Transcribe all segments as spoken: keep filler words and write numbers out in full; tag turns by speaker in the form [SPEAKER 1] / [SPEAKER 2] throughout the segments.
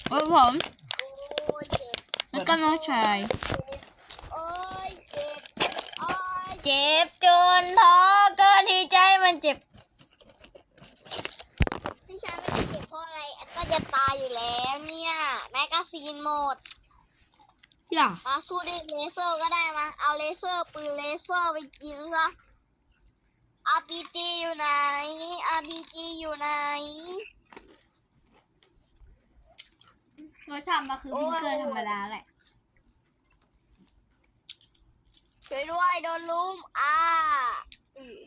[SPEAKER 1] โอ้ผม
[SPEAKER 2] โอ้ยเจ็บ
[SPEAKER 1] แล้วก็น้องชาย
[SPEAKER 2] โอ้ยเจ็บโอ้ย
[SPEAKER 1] เจ็บจนท้อเกินที่ใจมันเจ็บ
[SPEAKER 2] พี่ชายไม่ได้เจ็บเพราะอะไรแอดก็จะตายอยู่แล้วเนี่ยแมกกาซีนหมด
[SPEAKER 1] ที่หรอ
[SPEAKER 2] มาสู้ด้วยเลเซอร์ก็ได้มาเอาเลเซอร์ปืนเลเซอร์ไปกินซะ อาร์ พี จี อยู่ไหน อาร์ พี จี อยู่ไหน
[SPEAKER 1] รสชาติมันคือพิงเกอร์ธรรมดาแหละ
[SPEAKER 2] ช่วยด้วยโดนลุมอ่าอืม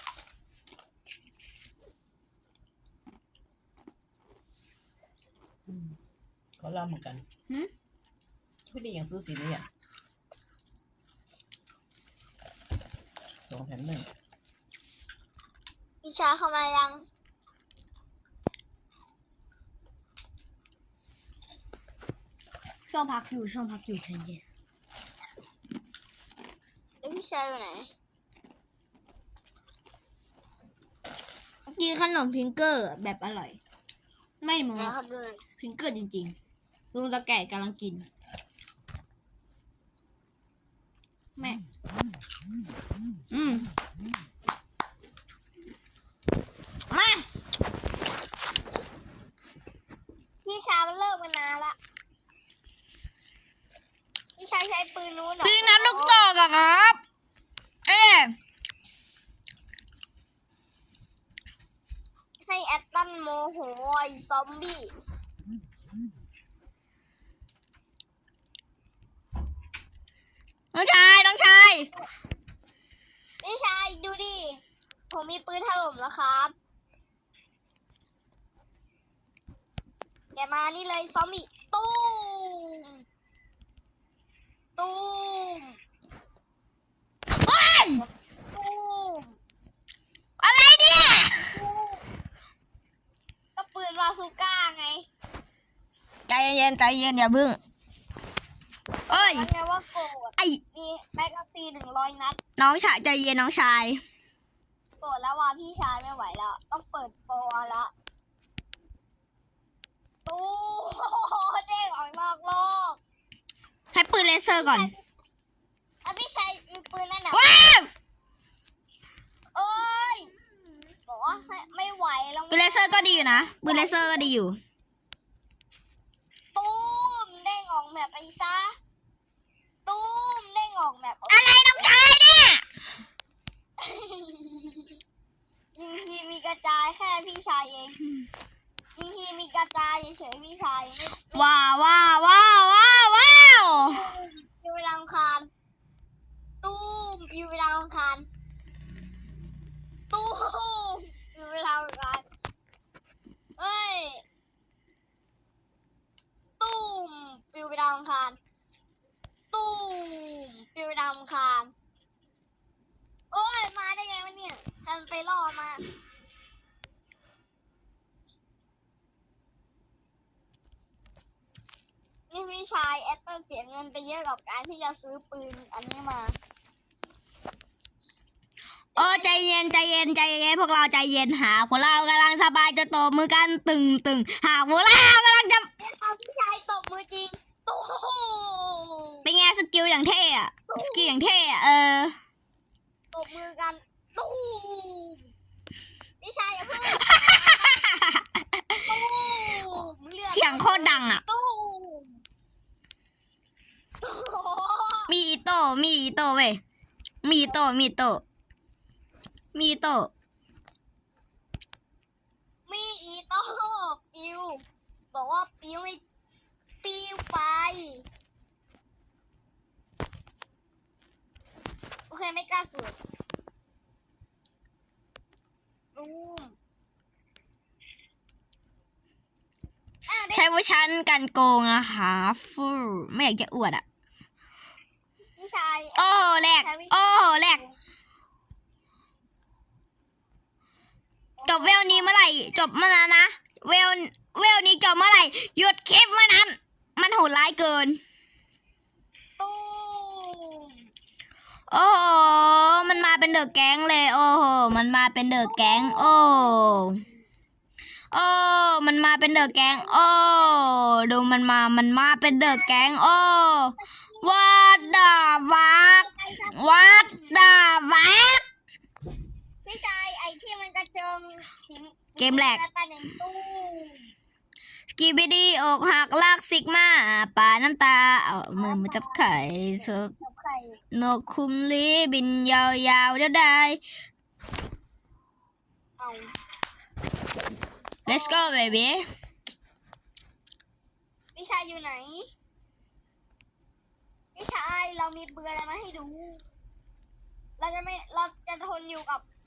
[SPEAKER 3] เขาเล่าเหมือนกัน
[SPEAKER 1] หืม
[SPEAKER 3] พี่ดีอย่างซื้อสีนี้อ่ะสองแถมหนึ่ง
[SPEAKER 2] พี่ชายเข้ามายัง
[SPEAKER 1] ช่วงพักอยู่ช่วงพักอยู่ใจเย็น
[SPEAKER 2] แล้วพี่ชายอยู่ไหน
[SPEAKER 1] กินขนมพิงเกอร์แบบอร่อย ไม่โม้
[SPEAKER 2] นะครับดูหน่อย
[SPEAKER 1] พิงเกอร์จริงๆลุงตะแก่กำลังกินแม่อืมมา
[SPEAKER 2] พี่ชายมันเลิกมานานละพี่ชายใช้ปืนนู้นเหรอ
[SPEAKER 1] พี่นัดลูกตอกอะครับ เอ๊ะ
[SPEAKER 2] ให้แอตตันโมโหไอ้ซอมบี้
[SPEAKER 1] น้องชายน้องชาย
[SPEAKER 2] พี่ชายดูดิ ผมมีปืนถล่มแล้วครับแกมานี่เลยซอมบี้ตู้มตู้ม
[SPEAKER 1] โอ้ย
[SPEAKER 2] ตู้ม
[SPEAKER 1] อะไรเนี่ย
[SPEAKER 2] ก็ปืนบาซูก้าไง
[SPEAKER 1] ใจเย็นใจเย็นอย่าบึ้งเอ้ย
[SPEAKER 2] แล้วไงว่าโกรธ
[SPEAKER 1] ไอ้
[SPEAKER 2] มีแมกกาซีนหนึ่งร้อยนัด
[SPEAKER 1] น้องชายใจเย็นน้องชาย
[SPEAKER 2] โกรธแล้วว่าพี่ชายไม่ไหวแล้ว ต้องเปิดโปรแล้ว ตู้เด้งออกนอกโลก
[SPEAKER 1] ให้ปืนเลเซอร์ก่อน
[SPEAKER 2] อ่ะพี่ชายมีปืนนั่นน่ะ
[SPEAKER 1] ว้าว
[SPEAKER 2] เอ้ยบอกว่าให้ไม่ไหวแล้ว
[SPEAKER 1] ปืนเลเซอร์ก็ดีอยู่นะปืนเลเซอร์ก็ดีอยู่
[SPEAKER 2] ตู้มเด้งออกแบบไปซะตู้มเด้งออกแบบ
[SPEAKER 1] อะไรน้องชายเนี่ย
[SPEAKER 2] ยิงทีมีกระจายแค่พี่ชายเองยิงทีมีกระจายเฉยๆพี่ชายไม่
[SPEAKER 1] ว้าวว้าวว้าวว้าวว้าว
[SPEAKER 2] อยู่เวลาอังคารตู้มอยู่เวลาอังคารตู้มอยู่เวลาอังคารเอ้ยตู้มปิวไปดาวอังคารตู้มปิวไปดาวอังคารโอ้ยมาได้ไงวะเนี่ยทันไปล่อมานี่พี่ชายแอตเตอร์เสียเงินไปเยอะกับการที่จะซื้อปืนอันนี้มา
[SPEAKER 1] โอ้ใจเย็นใจเย็นใจเย็นพวกเราใจเย็นหาพวกเรากำลังสบายจะตบมือกันตึงตึงหาพวกเรากำลังจะ
[SPEAKER 2] เอาพี่ชายตบมือจริงตู้
[SPEAKER 1] เป็นไงสกิลอย่างเท่อะสกิลอย่างเท่อะเออ
[SPEAKER 2] ตบมือกันตู้พี่ชายอย่าเพิ่งตู้ลือด
[SPEAKER 1] เสียงโคตรดังอะ
[SPEAKER 2] ตู้
[SPEAKER 1] มีอีโต้มีอีโต้เว้ยมีอีโต้มีอีโต้มีอีโต้
[SPEAKER 2] มีอีโต้ปิวบอกว่าปิวไม่ปิวไปโอเคไม่กล้าสุดตู้อ่ะได้
[SPEAKER 1] ใช้เวอร์ชันกันโกงนะคะฟูไม่อยากจะอวดอะ
[SPEAKER 2] พี่ชาย
[SPEAKER 1] โอ้โหแหลกโอ้โหแหลกจบเวลนี้เมื่อไหร่จบเมื่อนั้นนะเวลเวลนี้จบเมื่อไหร่หยุดคลิปเมื่อนั้น มันโหดร้ายเกิน
[SPEAKER 2] ตู้
[SPEAKER 1] โอ้โหมันมาเป็นเดอะแก๊งเลย โอ้โหมันมาเป็นเดอะแก๊งโอ้โอ้มันมาเป็นเดอะแก๊งโอ้ดูมันมามันมาเป็นเดอะแก๊งโอ้ what the fuck what the fuck
[SPEAKER 2] พี่ชายไอ้ที่มันกระเจิงสี
[SPEAKER 1] เกมแรก
[SPEAKER 2] แล้วกันในตู้
[SPEAKER 1] สกีบิดีอกหักลากซิกมาป่าน้ำตาเอามือมาจับไข่ซบ
[SPEAKER 2] กับไข่
[SPEAKER 1] นกคุมลีบินยาวๆเดี๋ยวได้
[SPEAKER 2] เอา
[SPEAKER 1] let's go baby
[SPEAKER 2] พี่ชายอยู่ไหนพี่ชายเรามีเบืออะไรมาให้ดู เราจะไม่เราจะทนอยู่กับ